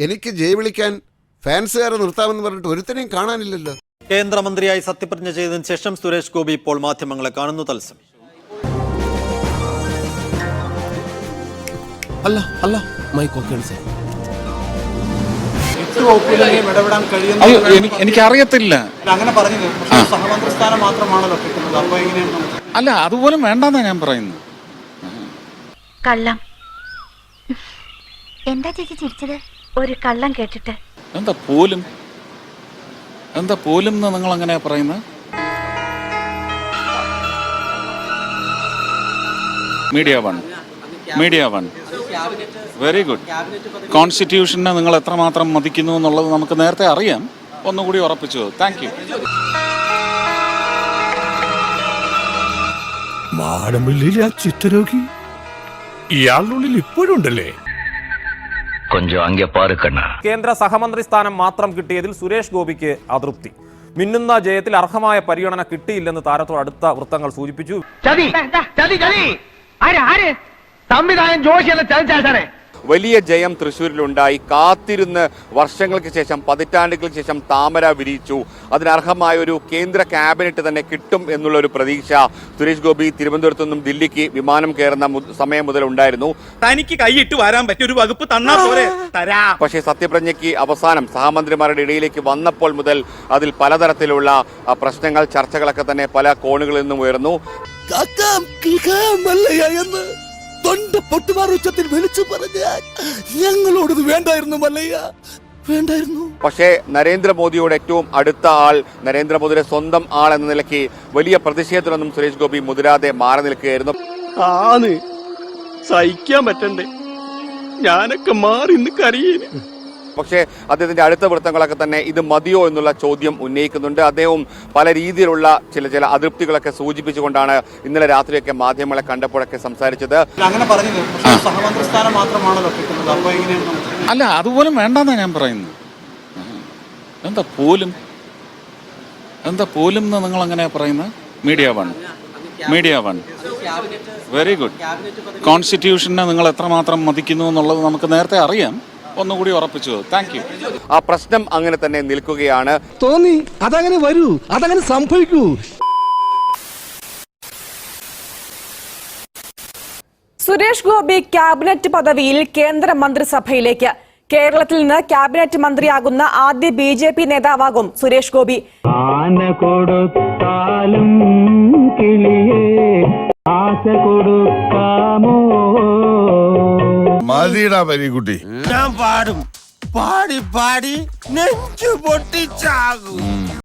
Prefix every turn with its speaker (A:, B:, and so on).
A: എനിക്ക് ജയ് വിളിക്കാൻ ഫാൻസുകാരെ നിർത്താമെന്ന് പറഞ്ഞിട്ട് ഒരുത്തനെയും കാണാനില്ലല്ലോ.
B: കേന്ദ്രമന്ത്രിയായി സത്യപ്രതിജ്ഞ ചെയ്തതിനു ശേഷം സുരേഷ് ഗോപി ഇപ്പോൾ മാധ്യമങ്ങളെ കാണുന്നു. തത്സമയം.
C: എനിക്കറിയത്തില്ല.
D: അങ്ങനെ പറഞ്ഞത് സഹമന്ത്രി സ്ഥാനം മാത്രമാണല്ലോ കിട്ടുന്നത്. അപ്പൊ എങ്ങനെയാണ്?
C: അല്ല, അതുപോലും വേണ്ടെന്നാ ഞാൻ പറയുന്നത്.
E: കള്ളം. എന്താ ചേച്ചി ചിരിച്ചത്? ഒരു കള്ളം കേട്ടിട്ട്.
C: എന്താ പോലും നിങ്ങൾ അങ്ങനെ പറയുന്നത്? Media one very good. കോൺസ്റ്റിറ്റ്യൂഷനെ നിങ്ങൾ എത്രമാത്രം മതിക്കുന്നു എന്നുള്ളത് നമുക്ക് നേരത്തെ അറിയാം. ഒന്നുകൂടി ഉറപ്പിച്ചു. Thank U.
F: മാടമ്പള്ളിയിലെ ആ ചിത്രരോഗി ഇയാളുള്ളിൽ ഇപ്പോഴും ഉണ്ടല്ലേ?
G: കേന്ദ്ര സഹമന്ത്രി സ്ഥാനം മാത്രം കിട്ടിയതിൽ സുരേഷ് ഗോപിക്ക് അതൃപ്തി. മിന്നുന്ന ജയത്തിൽ അർഹമായ പരിഗണന കിട്ടിയില്ലെന്ന് താരത്തോട് അടുത്ത വൃത്തങ്ങൾ സൂചിപ്പിച്ചു.
H: വലിയ ജയം തൃശ്ശൂരിലുണ്ടായി. കാത്തിരുന്ന് വർഷങ്ങൾക്ക് ശേഷം, പതിറ്റാണ്ടുകൾക്ക് ശേഷം താമര വിരിയിച്ചു. അതിനർഹമായ ഒരു കേന്ദ്ര ക്യാബിനറ്റ് തന്നെ കിട്ടും എന്നുള്ള ഒരു പ്രതീക്ഷ സുരേഷ് ഗോപി തിരുവനന്തപുരത്തു നിന്നും ദില്ലിക്ക് വിമാനം കയറുന്ന സമയം മുതൽ ഉണ്ടായിരുന്നു.
I: തനിക്ക് കൈയിട്ട് വരാൻ പറ്റിയ ഒരു വകുപ്പ് തന്നാ പോരെ?
H: പക്ഷേ സത്യപ്രതിജ്ഞയ്ക്ക് അവസാനം സഹമന്ത്രിമാരുടെ ഇടയിലേക്ക് വന്നപ്പോൾ മുതൽ അതിൽ പലതരത്തിലുള്ള പ്രശ്നങ്ങൾ, ചർച്ചകളൊക്കെ തന്നെ പല കോണുകളിൽ നിന്നും ഉയർന്നു.
F: തൊണ്ട പൊട്ടുമാർ ഉച്ചത്തിൽ വിളിച്ചു പറഞ്ഞാൽ ഞങ്ങളോടത് വേണ്ടായിരുന്നു മല്ലയ്യ, വേണ്ടായിരുന്നു.
H: പക്ഷേ നരേന്ദ്രമോദിയോട് ഏറ്റവും അടുത്ത ആൾ, നരേന്ദ്രമോദിയുടെ സ്വന്തം ആൾ എന്ന നിലയ്ക്ക് വലിയ പ്രതിഷേധത്തിനൊന്നും സുരേഷ് ഗോപി മുതിരാതെ മാറി നിൽക്കുകയായിരുന്നു.
I: സഹിക്കാൻ പറ്റണ്ടേ? ഞാനൊക്കെ മാറി കരയേന്.
H: പക്ഷേ അദ്ദേഹത്തിന്റെ അടുത്ത വൃത്തങ്ങളൊക്കെ തന്നെ ഇത് മതിയോ എന്നുള്ള ചോദ്യം ഉന്നയിക്കുന്നുണ്ട്. അദ്ദേഹവും പല രീതിയിലുള്ള ചില അതൃപ്തികളൊക്കെ സൂചിപ്പിച്ചുകൊണ്ടാണ് ഇന്നലെ രാത്രിയൊക്കെ മാധ്യമങ്ങളെ കണ്ടപ്പോഴൊക്കെ സംസാരിച്ചത്.
D: അങ്ങനെ പറഞ്ഞത് സഹമന്ത്രി സ്ഥാനം മാത്രമാണല്ലോ കിട്ടുന്നത്. അപ്പൊ എങ്ങനെയാണ്?
C: അല്ല, അതുപോലും വേണ്ടെന്നാ ഞാൻ പറയുന്നത്. എന്താ പോലും നിങ്ങൾ അങ്ങനെ പറയുന്നത്? Media one very good. കോൺസ്റ്റിറ്റ്യൂഷനെ നിങ്ങൾ എത്രമാത്രം മതിക്കുന്നു എന്നുള്ളത് നമുക്ക് നേരത്തെ അറിയാം. ഒന്നുകൂടി ഉറപ്പിച്ചു. Thank you.
H: ആ പ്രശ്നം അങ്ങനെ തന്നെ നിൽക്കുകയാണ്.
F: തോന്നി അതങ്ങനെ വരൂ, അതങ്ങനെ സംഭവിക്കൂ.
J: സുരേഷ് ഗോപി ക്യാബിനറ്റ് പദവിയിൽ കേന്ദ്ര മന്ത്രിസഭയിലേക്ക്. കേരളത്തിൽ നിന്ന് ക്യാബിനറ്റ് മന്ത്രിയാകുന്ന ആദ്യ BJP നേതാവാകും സുരേഷ് ഗോപി.
F: മതിടാ പരീക്കുട്ടി,
I: ഞാൻ പാടി നെഞ്ചു പൊട്ടിച്ചാകും.